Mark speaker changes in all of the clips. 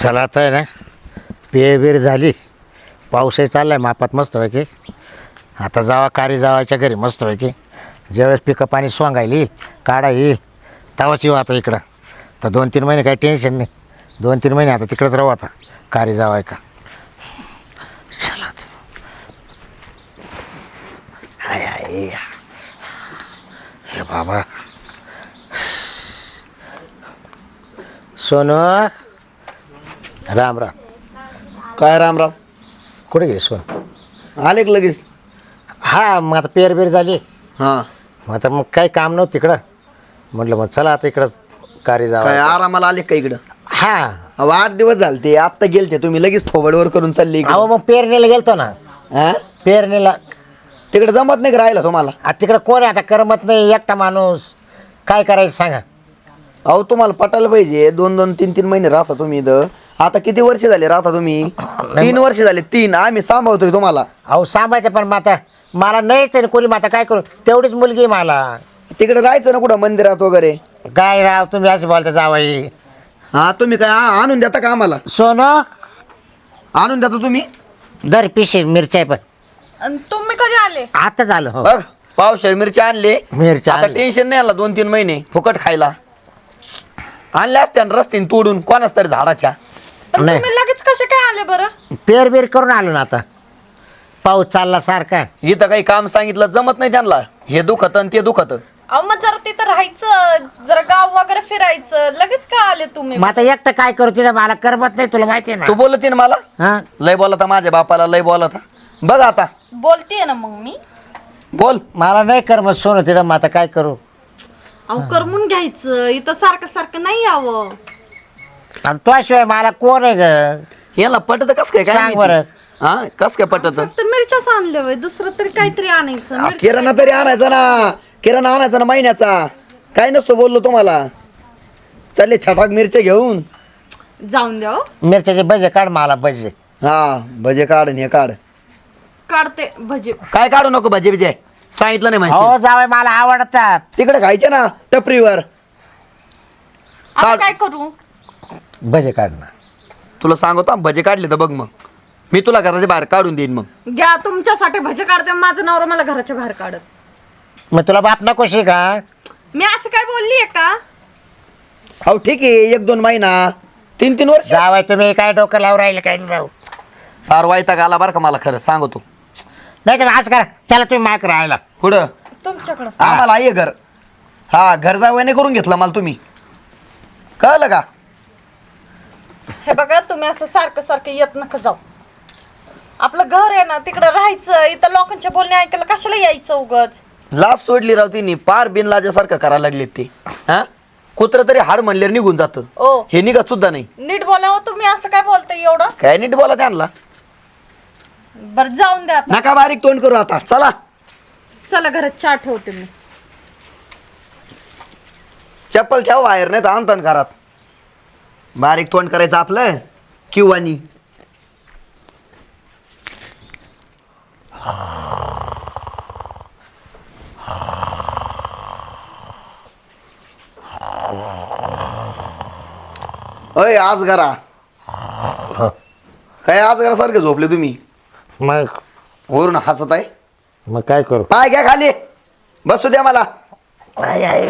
Speaker 1: चला आता आहे ना पेरबीर झाली. पाऊसही चालला आहे मापात मस्त पैकी. आता जावा कारी जावायच्या घरी मस्त पैकी. ज्यावेळेस पिकं पाणी सोंगायला येईल काढा येईल तेव्हाच येऊ आता इकडं. तर 2-3 महिने काही टेन्शन नाही. 2-3 महिने आता तिकडंच राहू आता कारी जावाय का. चला आता. हाय हाय हे बाबा सोनू राम राम.
Speaker 2: काय रामराम
Speaker 1: कुठे गेली सोन?
Speaker 2: आले का लगेच?
Speaker 1: हा मग आता पेरबीर झाली.
Speaker 2: हां
Speaker 1: मग आता मग काही काम नव्हतं तिकडं. म्हटलं मग चला आता इकडं कारी
Speaker 2: काय
Speaker 1: जावं.
Speaker 2: आरामाला आले का इकडं?
Speaker 1: हा
Speaker 2: अहो 8 दिवस झाले ते आत्ता गेलते तुम्ही लगेच थोबडवर करून चालले इकडं.
Speaker 1: अहो मग पेरणीला गेलतो ना.
Speaker 2: हा?
Speaker 1: पेरणीला
Speaker 2: तिकडे जमत नाही का राहिला तुम्हाला?
Speaker 1: आता तिकडं कोण आहे आता करमत नाही एकटा माणूस. काय करायचं सांगा.
Speaker 2: अहो तुम्हाला पटायला पाहिजे 2-2, 3-3 महिने राहता तुम्ही इथं. आता किती वर्ष झाले राहता तुम्ही? 3 वर्ष झाले. 3 आम्ही सांभाळतोय तुम्हाला.
Speaker 1: अहो सांभाळते पण मग आता मला नाहीच आहे ना कोणी. मग आता काय करू तेवढीच मुलगी आहे मला.
Speaker 2: तिकडे जायचं ना कुठं मंदिरात वगैरे.
Speaker 1: काय राव तुम्ही असं बोलता जावाई.
Speaker 2: हा तुम्ही काय आणून देता का आम्हाला?
Speaker 1: सोनं
Speaker 2: आणून देता तुम्ही?
Speaker 1: दर पिशे मिरच्या पण
Speaker 3: आणि तुम्ही कधी आले?
Speaker 1: आता झालं. हो
Speaker 2: बघ पावसाळी मिरची आणले.
Speaker 1: मिरच्या
Speaker 2: आता
Speaker 1: आणले.
Speaker 2: टेन्शन नाही आला 2-3 महिने फुकट खायला. आणल्या असत्या ना रस्त्याने तोडून कोणाच तरी झाडाच्या.
Speaker 3: पण
Speaker 1: नाही.
Speaker 3: तुम्ही लगेच कसे काय आले बरं?
Speaker 1: पेरबीर करून आलो ना आता. पाऊस चालला सारखा.
Speaker 2: इथं काही काम सांगितलं जमत नाही त्यांना. हे दुखत आणि ते दुखत.
Speaker 3: अहो मग जरा तिथं राहायचं, जरा गाव वगैरे फिरायचं. लगेच का आले तुम्ही?
Speaker 1: मग आता एकटं काय करू तिला मला करमत नाही तुला माहिती आहे
Speaker 2: तू
Speaker 1: ना.
Speaker 2: बोलते ना मला
Speaker 1: हा
Speaker 2: लय बोलता माझ्या बापाला लय बोलता. बघ आता
Speaker 3: बोलतीये ना मग मी.
Speaker 2: बोल.
Speaker 1: मला नाही करमत सोनं तिला. मग आता काय करू.
Speaker 3: अहो करमून घ्यायचं. इथं सारखं सारखं नाही यावं.
Speaker 1: आणि तुझ्याशिवाय मला कोण आहे ग.
Speaker 2: याला पटत कस काय? काय
Speaker 1: सांग
Speaker 2: माहिती?
Speaker 1: बरं.
Speaker 2: हा कस काय पटत?
Speaker 3: फक्त मिरच्याच आणल्या वय, दुसरं तरी काहीतरी आणायचं. मिरच्या-
Speaker 2: किराणा तरी आणायचा ना. किराणा आणायचा ना महिन्याचा. काय नसतो बोललो तुम्हाला. चालले छटाक मिरच्या घेऊन.
Speaker 3: जाऊन द्या हो.
Speaker 1: मिरच्याचे भजे काढ मला भजे.
Speaker 2: हा भजे काढ आणि हे काढ.
Speaker 3: काढते भजी.
Speaker 2: काय काढू नको भजे बिजे. सांगितलं नाही
Speaker 1: हो
Speaker 2: माहिती.
Speaker 1: जावय मला आवडतात.
Speaker 2: तिकडे खायचे ना टपरीवर.
Speaker 3: आता
Speaker 2: काढ.
Speaker 3: काय करू?
Speaker 1: भजे काढ ना.
Speaker 2: तुला सांगतो भजे काढले तर बघ मग. मी तुला घराच्या बाहेर काढून देईन मग.
Speaker 3: घ्या तुमच्यासाठी भजी काढते. माझं नवरा मला घराच्या बाहेर काढत.
Speaker 1: मग तुला बाप नकोशी का.
Speaker 3: मी असं काय बोललीये का?
Speaker 2: हो ठीक आहे 1-2 महिना 3-3 वर्ष.
Speaker 1: जावय तुम्ही काय डोकं लावून राहिले काय नाही राहू.
Speaker 2: फार वाईटाग आला बरं का मला खरं सांगतो.
Speaker 1: नाही तर आज करा चला तुम्ही माग राहायला.
Speaker 2: पुढं
Speaker 3: तुमच्याकडं.
Speaker 2: आम्हाला आहे घर. हा घर जावयाने करून घेतलं मला तुम्ही. कळलं का?
Speaker 3: हे बघा तुम्ही असं सारखं सारखं येत नका जाऊ. आपलं घर आहे ना तिकडं राहायचं. इथं लोकांचे बोलणे ऐकायला कशाला यायचं उगाच.
Speaker 2: लाज सोडली राव तिने. पार बिनलाजासारखं करायला लागले ते. हा कुत्र तरी हाड म्हणल्यावर निघून जातं.
Speaker 3: ओ
Speaker 2: हे निघत सुद्धा नाही.
Speaker 3: नीट बोलावं. तुम्ही असं काय बोलताय एवढं?
Speaker 2: काय नीट बोला त्यांना.
Speaker 3: बरं जाऊन द्या आता.
Speaker 2: नका बारीक तोंड करू आता. चला
Speaker 3: चला घरात चहा ठेवते मी.
Speaker 2: चप्पल ठेव बाहेर नाही तर आणतान घरात. बारीक तोंड करायचं आपलं किंवा नी. अय आज घरा
Speaker 1: हो.
Speaker 2: काय आज घरा सारखे झोपले तुम्ही?
Speaker 1: मग
Speaker 2: वरून हसत आहे.
Speaker 1: मग काय करू.
Speaker 2: पाय घ्या खाली. बसू द्या मला.
Speaker 1: आय आय.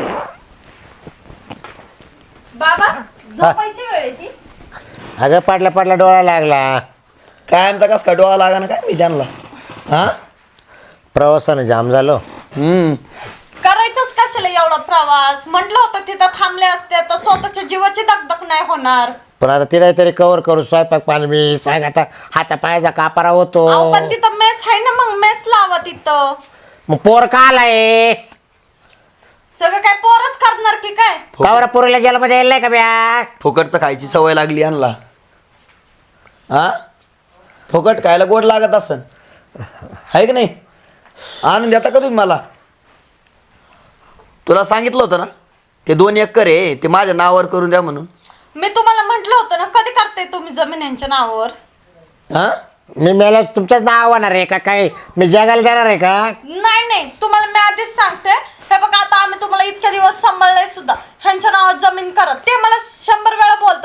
Speaker 3: बाबा झोपायची वेळ आहे ती.
Speaker 1: अगं पडला डोळा लागला.
Speaker 2: काय आमचा कस का डोळा लागा ना काय मी त्यांना. हा
Speaker 1: प्रवासानं जाम झालो.
Speaker 3: करायचंच कशाला एवढा प्रवास? म्हटलं होतं तिथं थांबले असते तर स्वतःच्या जीवाची दगदग नाही होणार.
Speaker 1: पण आता तिला तरी कवर करू स्वयंपाक पाणी मी सांग. आता हाता पायाचा कापारा होतो.
Speaker 3: अहो, पण तिथं मेस आहे ना. मग मेस लावा तिथं.
Speaker 1: मग पोर का आलाय.
Speaker 3: सगळं काय पोरच करणार की काय?
Speaker 1: कावरा पोरीला जेलमध्ये यायला नाही का ब्या.
Speaker 2: फुकटचं खायची सवय लागली यांना. हा फुकट खायला गोड लागत असन आहे की नाही. आणून देता का तुम्ही मला? तुला सांगितलं होतं ना ते 2 एकर आहे ते माझ्या नावावर करून द्या म्हणून.
Speaker 3: मी तुम्हाला म्हंटल होतं ना. कधी करताय तुम्ही जमीन यांच्या नावावर?
Speaker 2: हा
Speaker 1: मी मला तुमच्याच नाव होणार आहे का काय. मी जगायला जाणार आहे का.
Speaker 3: नाही नाही तुम्हाला मी आधीच सांगते. हे बघा आता आम्ही तुम्हाला इतक्या दिवस सांभाळलंय सुद्धा. ह्यांच्या नावावर जमीन करत ते मला 100 वेळा बोलतात. मी राहू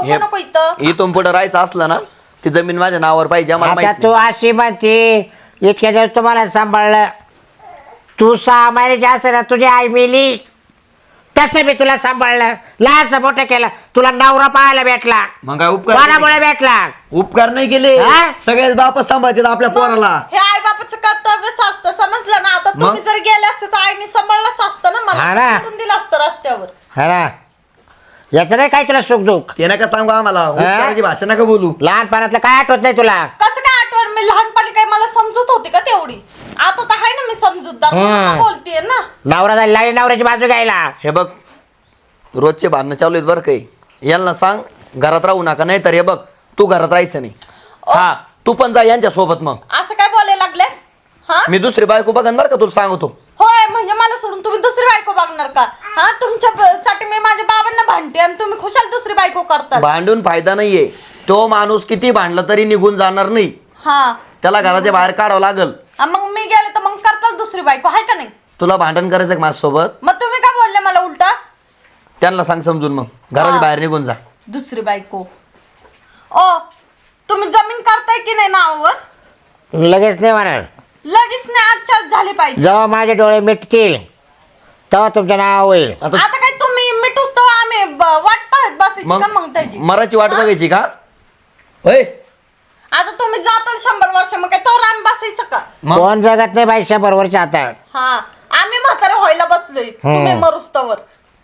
Speaker 3: का नको इथं
Speaker 2: इथून पुढे राहायचं असलं ना ती जमीन माझ्या नावावर पाहिजे आम्हाला
Speaker 1: आता
Speaker 2: माहित
Speaker 1: तू
Speaker 2: नाही.
Speaker 1: अशी म्हणते इतक्या दिवस तुम्हाला सांभाळलं तू 6 महिन्याची असं ना तुझी आई मेली तसं मी तुला सांभाळलं लहानचं मोठं केलं तुला नवरा पाहायला भेटला
Speaker 2: मग काय उपकार
Speaker 1: कोणामुळे भेटला
Speaker 2: उपकार नाही केले
Speaker 1: हा?
Speaker 2: सगळेच बाप सांभाळतात आपल्या पोराला.
Speaker 3: हे आई बापाचं कर्तव्यच असतं समजलं ना आता
Speaker 2: मग?
Speaker 3: तुम्ही जर गेले असते तर आईने सांभाळलंच असतं ना
Speaker 1: हा
Speaker 3: मला
Speaker 1: ना.
Speaker 3: सोडून दिलं असतं रस्त्यावर
Speaker 1: हा ना याचं नाही काय तुला सुख दुःख
Speaker 2: ते नका सांगू आम्हाला उपकाराची भाषा नका बोलू.
Speaker 1: लहानपणातलं काय आठवत नाही तुला
Speaker 3: कसं काय आठवण मी लहानपणी काय मला समजत होती का तेवढी आता तर आहे ना मी समजूतदार म्हणून बोलतेय ना
Speaker 1: नवरा जायला लागली नवऱ्याची बाजू घ्यायला
Speaker 2: हे बघ रोजचे भांडणं चालू आहेत बरं काही यांना सांग घरात राहू नका नाही तर हे बघ तू घरात राहायचं नाही. हा तू पण जा यांच्या सोबत मग
Speaker 3: असं काय बोलायला लागले हा
Speaker 2: मी दुसरी बायको बघन बरं का तुला सांगतो.
Speaker 3: होय म्हणजे मला सोडून तुम्ही दुसरी बायको बघणार का हा तुमच्यासाठी मी माझ्या बाबांना भांडते आणि तुम्ही खुशाल दुसरी बायको करता
Speaker 2: भांडून फायदा नाहीये. तो माणूस किती भांडला तरी निघून जाणार नाही.
Speaker 3: हा
Speaker 2: त्याला घराच्या बाहेर काढावं लागल.
Speaker 3: मग मी गेले तर मग करताल दुसरी बायको आहे का नाही
Speaker 2: तुला भांडण करायचं का माझ्यासोबत
Speaker 3: मग तुम्ही काय बोलले मला उलटा
Speaker 2: त्यांना सांग समजून मग घराच्या बाहेर निघून जा.
Speaker 3: दुसरी बायको ओ तुम्ही जमीन करताय की नाही नावावर
Speaker 1: लगेच नाही म्हणणार
Speaker 3: लगेच नाही आजच्याच झाली पाहिजे
Speaker 1: जेव्हा माझे डोळे मिटतील तेव्हा तुमचं नाव होईल
Speaker 2: आता
Speaker 3: आता काय तुम्ही मिठूस तर आम्ही वाट पाहत बसायची का मग त्याची
Speaker 2: मराठी वाट बघायची का होय
Speaker 3: आता तुम्ही जाताल 100 वर्ष मग काय तर आम्ही बसायचं का
Speaker 2: मग
Speaker 1: कोण जगत नाही बाई 100 वर्ष आता
Speaker 3: हा आम्ही म्हातारे व्हायला बसलोय तुम्ही मरुस्तवर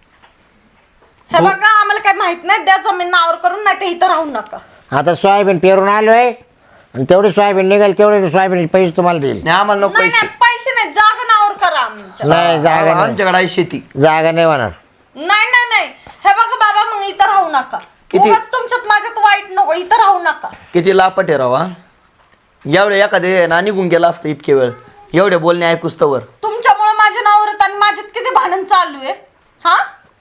Speaker 3: हे बघा आम्हाला काय माहित नाही द्या जमीन नावावर करून नाही ते इथं राहू नका
Speaker 1: आता सोयाबीन पेरून आलोय आणि तेवढी सोयाबीन निघेल तेवढे सोयाबीन पैसे तुम्हाला देईल
Speaker 2: नाही आम्हाला नको
Speaker 3: नाही
Speaker 2: पैसे.
Speaker 3: नाही पैसे नाही जागा नावावर करा आमच्या
Speaker 1: नाही जागा नाही
Speaker 2: आमच्याकडे आहे शेती.
Speaker 1: जागा नाही म्हणणार
Speaker 3: नाही नाही नाही हे बघा बाबा मग इथं राहू नका
Speaker 2: किती?
Speaker 3: उगाच तुमच्यात माझ्यात वाईट नको इथं राहू नका
Speaker 2: किती लापट आहे रावा एवढे एखादे ना निघून गेला असतं इतके वेळ एवढे बोलणे ऐकूस तवर
Speaker 3: तुमच्यामुळे माझ्या नावावर आणि माझ्यात किती भांडण चालू आहे हा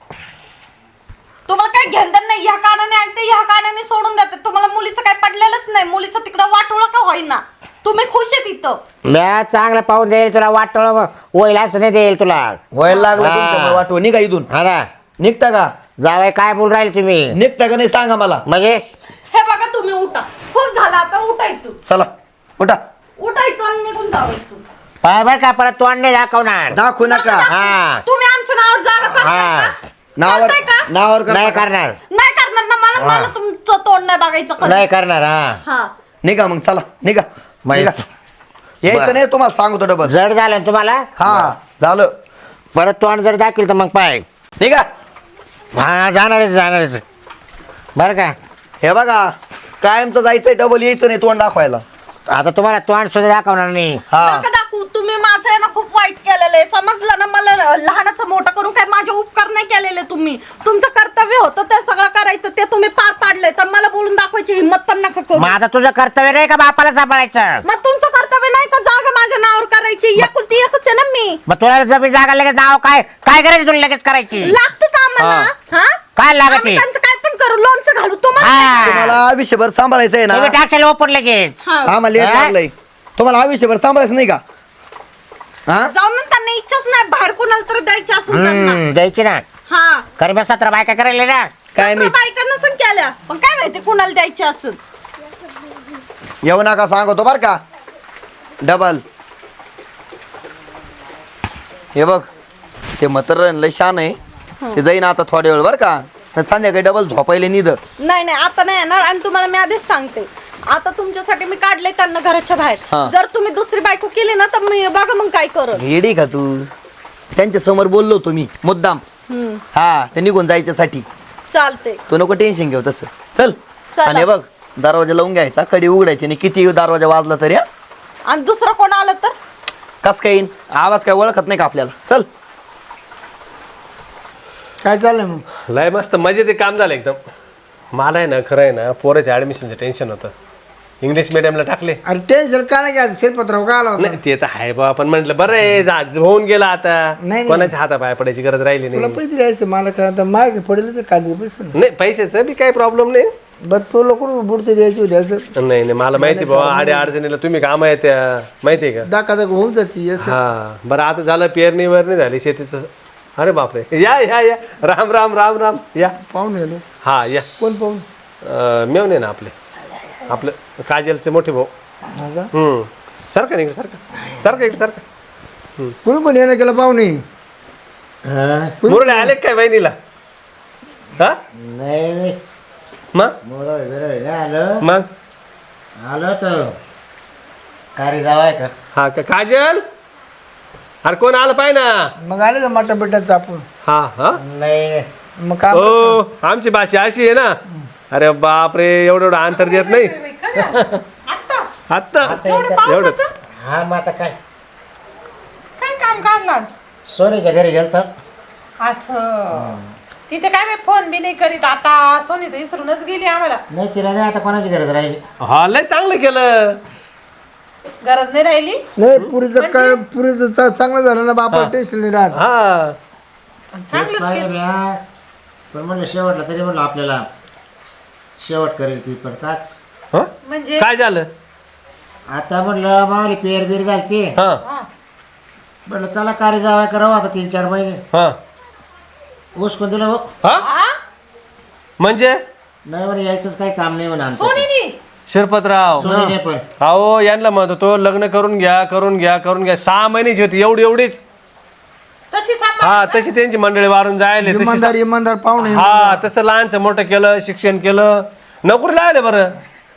Speaker 3: तुम्हाला काय घेणं नाही ह्या कानाने ऐकते ह्या कानाने सोडून जाते तुम्हाला मुलीचं काय पडलेलंच नाही मुलीचं तिकडं वाटोळं का होईना तुम्ही खुश आहे तिथं
Speaker 1: म्या चांगलं पाहून देईल तुला वाटोळ होईल असं नाही देईल तुला
Speaker 2: व्हायला लागलं
Speaker 1: हा.
Speaker 2: तुमच्यामुळे वाटव निघा इथून
Speaker 1: हा ना
Speaker 2: निघता का
Speaker 1: जावाय काय बोल राहील तुम्ही
Speaker 2: निघता का नाही सांगा मला
Speaker 1: म्हणजे
Speaker 3: हे बघा तुम्ही उठा खूप झालं आता उठा इथून
Speaker 2: चला उठा
Speaker 3: उठा इथून आणि निघून जावं इथून
Speaker 1: पाय बर का परत तोंड नाही दाखवणार
Speaker 2: दाखवू नका
Speaker 1: हा
Speaker 3: तुम्ही आमच्या नावावर जागा करताय
Speaker 1: हा.
Speaker 3: का?
Speaker 2: नावावर
Speaker 3: करताय का?
Speaker 2: नावावर करता
Speaker 1: नाही
Speaker 2: का?
Speaker 1: करणार
Speaker 3: नाही करणार ना मला मला तुमचं तोंड नाही बघायचं कधीच.
Speaker 1: नाही करणार हा
Speaker 3: हा
Speaker 2: निघा मग चला निघा
Speaker 1: माहित-
Speaker 2: निघा यायचं
Speaker 1: बरं.
Speaker 2: नाही तुम्हाला सांगतो डबल
Speaker 1: जड झालं ना तुम्हाला
Speaker 2: हा झालं
Speaker 1: परत तोंड जर दाखील तर मग पाय
Speaker 2: निघा
Speaker 1: हा जाणारच बरं का
Speaker 2: हे बघा कायमचं जायचंय डबल यायचं नाही तोंड दाखवायला
Speaker 1: आता तुम्हाला तोंड सुद्धा दाखवणार नाही
Speaker 2: हा
Speaker 3: नका दाखवू तुम्ही माझं आहे ना खूप वाईट केलेलं आहे समजलं ना मला लहानाचं मोठं करून काय माझे उपकार नाही केलेले तुम्ही तुमचं कर्तव्य होतं ते सगळं करायचं ते तुम्ही पार पाडलंय तर मला बोलून दाखवायची हिंमत पण नका करू
Speaker 1: मग आता तुझं कर्तव्य नाही का बापाला सांभाळायचं
Speaker 3: मग तुमचं कर्तव्य नाही का जागा माझ्या नावावर करायची एकुलती एकच आहे ना मी
Speaker 1: मग तुला जमीन जागा लगेच नाव काय काय करायचं तुला लगेच करायची
Speaker 3: लागतं का आम्हाला हा
Speaker 1: काय लागते?
Speaker 3: आम्ही त्यांचं काय पण करू लोणचं घालू तुम्हाला
Speaker 1: हा.
Speaker 2: तुम्हाला आयुष्यभर सांभाळायचंय ना
Speaker 1: तुम्ही टाकशाल ओपन लगेच
Speaker 3: हा.
Speaker 2: आम्हाला लेट
Speaker 1: हा?
Speaker 2: लागलंय तुम्हाला आयुष्यभर सांभाळायचं नाही का हा
Speaker 3: जाऊन ना त्यांना इच्छाच नाही बाहेर कोणाला तर द्यायची असेल त्यांना
Speaker 1: द्यायची ना
Speaker 3: हा
Speaker 1: कारण बस 17 बायका करायला ना
Speaker 2: काय
Speaker 3: 17
Speaker 2: मी
Speaker 3: बायकांना पण केल्या पण काय माहिती कुणाला द्यायची असेल
Speaker 2: येऊ नका सांगतो बर का डबल हे बघ ते म्हातारं लय शान आहे ते जाईन आता थोड्या वेळ बर का संध्याकाळी डबल झोपायला निध
Speaker 3: नाही नाही आता नाही येणार आणि तुम्हाला मी आधीच सांगते आता तुमच्यासाठी मी काढले त्यांना घराच्या
Speaker 2: हा.
Speaker 3: बाहेर जर तुम्ही दुसरी बायको केली ना तर मी बघा मग काय करत
Speaker 2: येडी का तू त्यांच्या समोर बोललो तुम्ही मुद्दाम हा ते निघून जायच्यासाठी
Speaker 3: चालते
Speaker 2: तू नको टेन्शन घेऊ तसं चल
Speaker 3: चला.
Speaker 2: आणि हे बघ दरवाजा लावून घ्यायचा कडी उघडायची आणि किती दरवाजा वाजला तरी हा?
Speaker 3: आणि दुसरं कोण आलं तर
Speaker 2: कस काय येईन आवाज काय ओळखत नाही का आपल्याला चल
Speaker 4: काय चाललंय मग
Speaker 5: लय मस्त मजेत ते काम झालं एकदम मला आहे ना खरं आहे ना पोराच्या ॲडमिशनचं टेन्शन होतं इंग्लिश मिडियमला टाकले
Speaker 4: अरे टेन्शन का नाही घ्यायचं शिरपत्राव का आला होता
Speaker 5: नाही ते तर आहे बा पण म्हटलं बरं आहे होऊन गेला आता
Speaker 4: नाही.
Speaker 5: कोणाच्या हातापाया पडायची गरज राहिली
Speaker 4: तुला
Speaker 5: नाही
Speaker 4: पैसे द्यायचं मला काय आता माग पडेल तर कांदे पैसे ना
Speaker 5: नाही पैशाचं बी काही प्रॉब्लेम नाही
Speaker 4: बरं तुला कुठं बुडते द्यायची होती असं
Speaker 5: नाही नाही मला माहिती बाबा आडे अडचणीला तुम्ही काम आहे त्या माहिती आहे का
Speaker 4: दाखा दाखा होऊन जाते असं
Speaker 5: हा बरं आता झालं पेरणी वरणी झाली शेतीचं अरे बापरे या या या राम राम राम राम या
Speaker 4: पाहून गेलो
Speaker 5: हा या
Speaker 4: कोण पाहून
Speaker 5: मेवणे ना आपलं काजलचे मोठे भाऊ.
Speaker 4: हा का?
Speaker 5: सारखं नाही सारखं इकडे सारखं.
Speaker 4: कोणी कोणी येणं केलं पाहुणे
Speaker 1: हा?
Speaker 5: मुरडे आले काय बहिणीला? हा
Speaker 1: नाही नाही
Speaker 5: मग
Speaker 1: मोरळ बिरळ नाही आलं.
Speaker 5: मग
Speaker 1: आलो तर कारी जाव आहे का?
Speaker 5: हा का काजल? अरे कोण आलं पाहिजे ना.
Speaker 4: मग आले का मटा बिटात चापून
Speaker 5: हा हा
Speaker 1: नाही
Speaker 4: मग काय
Speaker 5: हो आमची भाषा अशी आहे ना. अरे बापरे एवढं अंतर देत नाही. आत्ता एवढंच.
Speaker 1: हा मग आता काय
Speaker 6: काय काम काढलं
Speaker 1: सोनीच्या घरी गेलतो.
Speaker 6: असं तिथे काय बाई फोन बी नाही करीत आता सोनी तर विसरूनच गेली आम्हाला
Speaker 1: नाही तिला नाही आता कोणाची गरज राहिली.
Speaker 5: हा लय चांगलं केलं.
Speaker 6: गरज नाही राहिली
Speaker 4: नाही पुरीचं काय पुरीचं चांगलं झालं ना बापा टेन्शन नाही राहत.
Speaker 5: हा
Speaker 6: चांगलंच
Speaker 1: पाहिलं
Speaker 6: केलं.
Speaker 1: म्या. पण म्हणलं शेवटला तरी म्हणलं आपल्याला शेवट करेल ती पण काच.
Speaker 5: हा?
Speaker 6: म्हणजे
Speaker 5: काय झालं?
Speaker 1: आता म्हणलं मावली पेर बीर झालती.
Speaker 5: हा
Speaker 6: हा.
Speaker 1: म्हणलं चला कारी जावाय करावं आता 3-4 महिने.
Speaker 5: हा
Speaker 1: उसकून दिलं हो.
Speaker 5: हा
Speaker 6: हा?
Speaker 5: म्हणजे
Speaker 1: नाही म्हणे यायचंच काही काम नाही म्हणा आमचं.
Speaker 6: सोनीनी
Speaker 5: शिरपतराव
Speaker 1: सोनीने पण
Speaker 5: अहो यांना म्हणत होतो लग्न करून घ्या 6 महिन्याची होती एवढीच.
Speaker 6: तशी सांभाळ
Speaker 5: हा तशी त्यांची मंडळी वारून जायले तशी.
Speaker 4: इमानदार इमानदार पाहुणे
Speaker 5: हा तसं लहानचं मोठं केलं शिक्षण केलं नोकरी लागले बरं.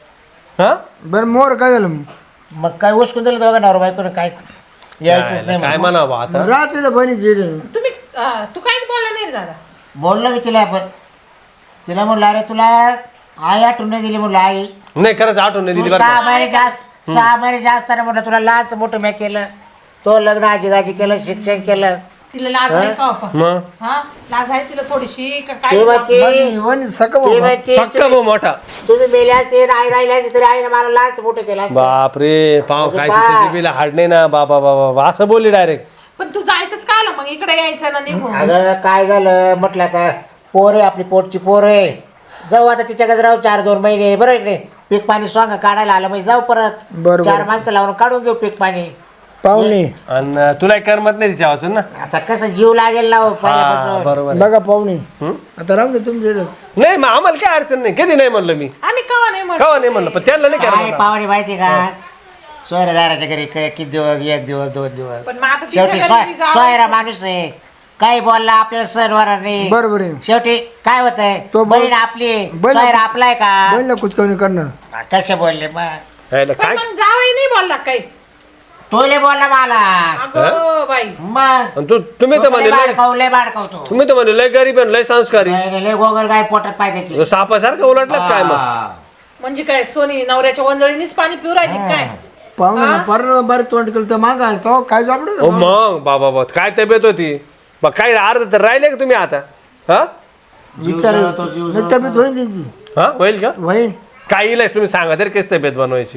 Speaker 5: हा
Speaker 4: बरं मोर काय झालं
Speaker 1: मग काय उसकून दिलं दोघं नवरा बायकोने काय यायचंच नाही
Speaker 5: काय
Speaker 1: म्हणून.
Speaker 5: म्हणावं आता.
Speaker 4: रात्री बहिणीची
Speaker 6: तुम्ही तू काहीच बोलला नाही रे दादा
Speaker 1: बोललो मी तिला पण तिला म्हणलं अरे तुला आई आठवण नाही दिली म्हणलं आई.
Speaker 5: नाही खरंच आठवण नाही दिली
Speaker 1: तू
Speaker 5: बरं
Speaker 1: 6
Speaker 5: का.
Speaker 1: महिने जास्त 6 महिने जास्त म्हटलं तुला लहानचं मोठं मी केलं. तो लग्न आजीगाजी केलं शिक्षण केलं.
Speaker 6: तिला लाज आहे का आपण
Speaker 5: मग
Speaker 6: हा लाज आहे तिला थोडीशी का काय
Speaker 1: ती म्हणते-
Speaker 4: वहिनी सका
Speaker 1: ती म्हणते,
Speaker 5: सक्का भाऊ मोठा.
Speaker 1: तुम्ही मेल्या ते आई राहिल्या तरी आईने मला लहानचं मोठं केलं.
Speaker 5: बापरे पाव
Speaker 1: म्हणजे
Speaker 5: काय
Speaker 1: पहा.
Speaker 5: तिच्या बिला हाड नाही ना बाबा बाबा असं बोलली डायरेक्ट.
Speaker 6: पण तू जायचंच का आलं मग इकडे यायचं ना निघून
Speaker 1: अगं काय झालं म्हटलं आता पोर आहे आपली पोटची पोर आहे. जाऊ आता तिच्याकडे राहू 4-2 महिने बरं इकडे पीक पाणी स्वांग काढायला आलं म्हणजे जाऊ परत
Speaker 4: बरोबर.
Speaker 1: 4 माणसं लावून काढून घेऊ पीक पाणी.
Speaker 4: पाहुणे
Speaker 5: आणि तुला करमत नाही तिच्या वाचून ना.
Speaker 1: आता कसं जीव लागेल ना हो
Speaker 5: हा
Speaker 1: पहिल्यापासून.
Speaker 5: बरोबर आहे.
Speaker 4: बघा पाहुणे आता राहू दे तुमच्या
Speaker 5: नाही मग आम्हाला काय अडचण नाही कधी नाही म्हणलं मी.
Speaker 6: आम्ही कवा नाही म्हणतो
Speaker 5: कवा नाही म्हणलं पण त्यांना नाही
Speaker 1: काय
Speaker 5: करायला.
Speaker 1: पाहुणे माहिती का सोयरादाराच्या घरी किती दिवस 1 दिवस 2 दिवस
Speaker 6: पण मग आता तिच्या
Speaker 1: शेवटी
Speaker 6: घरी बी जावं.
Speaker 1: सोयरा माणूस आहे. काही बोलला आपल्याला सणवार नाही.
Speaker 4: बरोबर आहे
Speaker 1: शेवटी काय होतंय
Speaker 4: तो बोल-
Speaker 1: बहीण आपली आहे.
Speaker 4: बहीण
Speaker 1: सोयरा
Speaker 4: आपली-
Speaker 1: आपलाय का
Speaker 4: बहिणीला कुचकावणी करणं
Speaker 1: कसे बोलले मग
Speaker 5: यायला
Speaker 6: पण
Speaker 5: काय
Speaker 6: मग जावई नाही बोलला काही
Speaker 1: तोले बोलला मला
Speaker 6: अगं बाई
Speaker 1: मग
Speaker 5: आणि तुम्ही तर म्हणले
Speaker 1: लय बाडकवतो
Speaker 5: तुम्ही तर म्हणले लय गरीब आहे लय संस्कारी.
Speaker 1: लय गोगल काय पोटात पाय त्याची.
Speaker 5: सापासारखं उलटलं काय मग.
Speaker 6: म्हणजे काय सोनी नवऱ्याच्या वंजळीनीच पाणी पिऊ राहिली काय
Speaker 4: पाहुणे पर बारीक तोंड केलं तर मागा तो काय
Speaker 5: हो
Speaker 4: जापड
Speaker 5: मग बाबा काय तब्येत होती मग काय अर्ध तर राहिले का तुम्ही आता. हा
Speaker 4: विचार नाही तब्येत होईल त्यांची
Speaker 5: हा होईल का
Speaker 4: होईल
Speaker 5: काय येईल तुम्ही सांगा तरी कशी तब्येत बनवायची.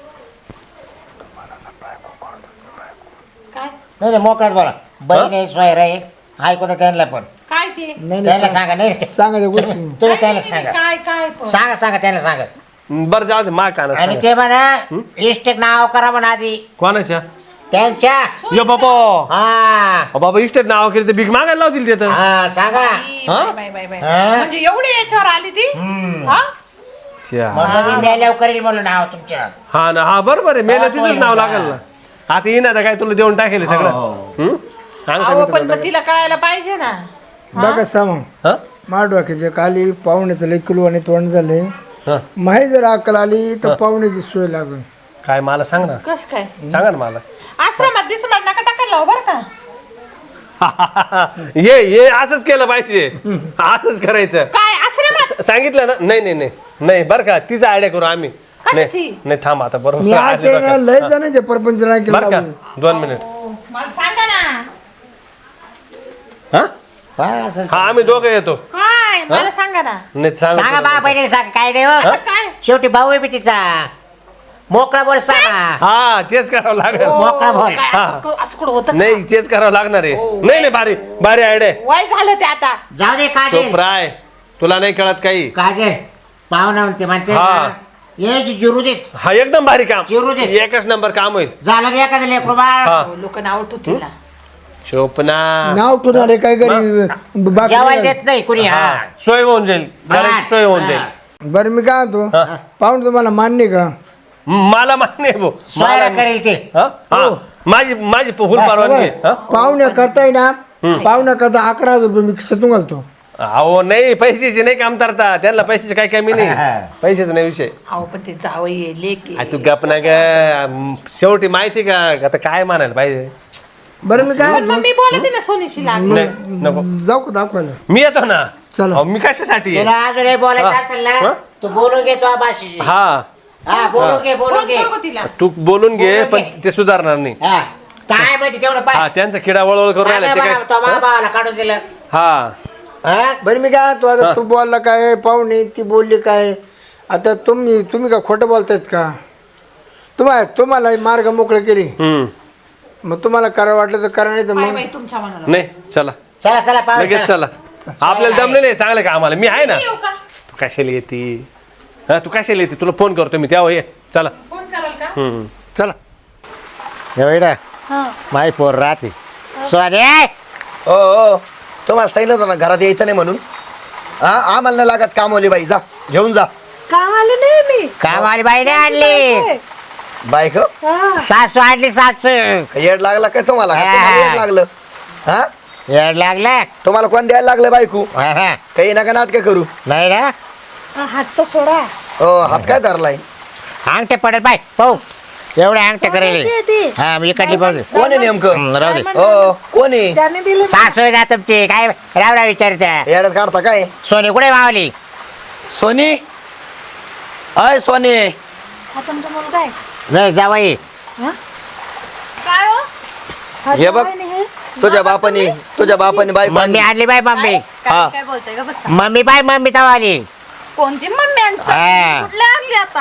Speaker 6: काय
Speaker 1: नाही मोकळ्यात बोला बहीण आहे सोयरा आहे ऐकू तर त्यांना पण
Speaker 6: काय ते
Speaker 4: नाही
Speaker 1: त्यांना
Speaker 4: नाही
Speaker 1: सांगा नाही
Speaker 4: सांगा त्या गोष्टी
Speaker 1: तुम्ही त्यांना सांगा
Speaker 6: काय काय पण?
Speaker 1: सांगा त्यांना सांगा
Speaker 5: बरं जाऊ दे मा काना
Speaker 1: आणि ते म्हणा इस्टेट नाव करा म्हणा आधी
Speaker 5: कोणाच्या
Speaker 1: त्यांच्या
Speaker 5: यो बाबा
Speaker 1: हा
Speaker 5: बाबा इस्टेट नाव केलं तर भीक मागायला लावतील तिथं.
Speaker 1: हा सांगा
Speaker 6: बाई.
Speaker 1: हा?
Speaker 6: म्हणजे एवढी याच्यावर आली ती हा
Speaker 5: श्या.
Speaker 1: म्हणून मी मेल्यावर करील म्हणून नाव तुमच्या
Speaker 5: हा ना हा बरोबर आहे मेला तुझंच नाव लागेल ना. आता येईन आता काय तुला देऊन टाकेल सगळं. हं? सांग का
Speaker 6: अहो
Speaker 5: मी
Speaker 6: पण
Speaker 5: तुला
Speaker 6: मग तिला कळायला पाहिजे ना
Speaker 4: बघा सांग
Speaker 5: हा?
Speaker 4: मार डोक्याचे खाली पाहुण्याचं लय किलो आणि तोंड झाले
Speaker 5: हा.
Speaker 4: माही जर अक्कल आली तर पाहुण्याची सोय लागेल.
Speaker 5: काय मला सांग ना
Speaker 6: कस काय
Speaker 5: सांगा ना मला.
Speaker 6: आश्रमात बिश्रमात नका टाकायला हो बरं का
Speaker 5: ये असंच केलं पाहिजे असंच करायचं.
Speaker 6: काय आश्रमात
Speaker 5: सांगितलं ना नाही बरं का तिचा आयडिया करू आम्ही.
Speaker 6: कशाची?
Speaker 5: नाही थांब आता
Speaker 4: मी
Speaker 5: बरोबर
Speaker 4: आज
Speaker 5: आले बरं का.
Speaker 4: लय जणांचे परपंच
Speaker 5: बरं का
Speaker 4: केलं
Speaker 5: 2 मिनिट.
Speaker 6: हो, मला सांगा ना
Speaker 5: हा
Speaker 1: काय असं
Speaker 5: हा आम्ही दोघं येतो.
Speaker 6: काय मला सांगा ना
Speaker 5: नाही
Speaker 1: सांगा बा
Speaker 5: सांगा
Speaker 1: बहिणी सांग काय नाही हो.
Speaker 6: आता काय
Speaker 1: शेवटी भाऊ आहे मी तिचा मोकळा बोल सांगा
Speaker 5: हा तेच करावं लागेल.
Speaker 1: मोकळा बोल.
Speaker 6: काय असं कुठं होतं का?
Speaker 5: नाही तेच करावं लागणार आहे.
Speaker 6: हो.
Speaker 5: नाही भारी भारी आयडिया.
Speaker 6: वय झालं ते आता
Speaker 1: जाऊ दे काजल
Speaker 5: चोप्राय तुला नाही कळत काही.
Speaker 1: काजल पाहुणा म्हणते
Speaker 5: हा.
Speaker 1: ना, यायची जिरू देच
Speaker 5: हा एकदम भारी काम
Speaker 1: चिरू दे.
Speaker 5: एकच नंबर काम होईल.
Speaker 1: झालं का एखादं लेकरू बाळ
Speaker 5: हा
Speaker 6: लोक नाव ठेवतील ना
Speaker 5: चोपना
Speaker 4: नाव ठेवून आले काय घरी
Speaker 1: जेवायला देत नाही कुणी हा
Speaker 5: सोय होऊन जाईल घराची सोय होऊन जाईल.
Speaker 4: बरं मी काय म्हणतो पाहून तुम्हाला मान्य का
Speaker 5: मला मान्य आहे भाऊ
Speaker 1: सोयरा करेल ते
Speaker 5: हा? हा. माझी फुल परवानगी आहे. हा?
Speaker 4: पाहुण्या करताय ना पाहुण्या करता 11,000 रुपये मी खिशातून घालतो
Speaker 5: अहो नाही पैशाचे नाही काम करता त्यांना पैशाचे काही कमी नाही पैशाचा नाही विषय
Speaker 6: अहो पण ते जावई लेकी
Speaker 5: आ, तू गप ना ग शेवटी माहिती का आता काय म्हणायला पाहिजे
Speaker 4: बरं मी काय
Speaker 6: पण मग मी बोलते ना सोनीशी लागली
Speaker 5: नाही नको
Speaker 4: जाऊ का दाखवायला
Speaker 5: मी येतो ना
Speaker 4: चला.
Speaker 5: अहो, मी कशासाठी आहे?
Speaker 1: तुला अजून हे बोलायचं असेल
Speaker 5: हा?
Speaker 1: ना तू बोलून घे तो भाषेशी
Speaker 5: हा
Speaker 1: हा बोलून घे बोलून
Speaker 6: फोन
Speaker 1: घे
Speaker 6: करू का तिला
Speaker 5: तू बोलून घे
Speaker 1: बोलून
Speaker 5: पण
Speaker 1: घे.
Speaker 5: ते सुधारणार नाही
Speaker 1: हा काय माहिती तेवढं
Speaker 5: हा
Speaker 1: पाय
Speaker 5: त्यांचा किडा वळवळ करून राहिला ते काय
Speaker 1: तो भावाला काढून दिलं
Speaker 5: हा
Speaker 1: हा?
Speaker 4: बरं मी काय म्हणतो आता तू बोलला काय पाहुणे ती बोलली काय आता तुम्ही का खोटं बोलतायत का तुम्हाला मार्ग मोकळे केली
Speaker 5: हम्म
Speaker 4: मग तुम्हाला करा वाटलं तर करा नाही तर
Speaker 6: काय
Speaker 4: मग
Speaker 6: बाई तुमच्या मनाला
Speaker 5: नाही चला
Speaker 1: चला चला पाहू
Speaker 5: लगेच चला आपल्याला दमले नाही चांगलं का आम्हाला मी आहे ना
Speaker 6: येऊ का
Speaker 5: तू कशाला येते हा तू कशाला येते तुला फोन करतो मी तेव्हा ये चला
Speaker 6: फोन कराल का
Speaker 5: हम्म
Speaker 4: चला
Speaker 1: एवढा माय पोर राहते सोने
Speaker 2: हो तुम्हाला सांगितलं होतं ना घरात यायचं नाही म्हणून हा आम्हाला नाही लागत कामवली बाई जा घेऊन जा
Speaker 7: काम आले नाही मी
Speaker 1: कामाली बाईने आणली
Speaker 2: बाईक
Speaker 1: सासू आणली सासू
Speaker 2: येड लागला काय तुम्हाला का?
Speaker 1: हा.
Speaker 2: तुम्हाला येड लागलं हा
Speaker 1: येड लागलं
Speaker 2: तुम्हाला कोण द्यायला लागलं बायकू
Speaker 1: हा, हा.
Speaker 2: काही नका नाटक करू
Speaker 1: नाही ना
Speaker 7: हा, हात तर सोडा
Speaker 2: हो हात काय धरलाय
Speaker 1: अंगठे पडेल पाय पाहू एवढे अंगठे करेल
Speaker 7: सोन्याची आहे ती.
Speaker 1: हा मी इकडली पाहू
Speaker 2: कोण आहे नेमकं
Speaker 1: राहू दे
Speaker 2: हो कोण आहे
Speaker 7: त्याने दिले
Speaker 1: सासू आहे ना तुमची काय रावरा विचारत्या
Speaker 2: येड्यात काढता काय
Speaker 1: सोनी कुठे मावली
Speaker 2: सोनी अय सोनी
Speaker 7: हा तुमचा मुलगा आहे
Speaker 1: नाही जावाई
Speaker 3: काय हो
Speaker 7: हा
Speaker 2: हे बघ.
Speaker 7: जावई नाही हे?
Speaker 2: तुझ्या बापाने बायको
Speaker 1: मम्मी आणली बाय मम्मी
Speaker 2: हा.
Speaker 3: काय बोलताय का बस
Speaker 1: मम्मी बाय मम्मी तवा आली
Speaker 3: कोणती मम्मी यांच्या
Speaker 1: हा.
Speaker 3: कुठल्या आणली आता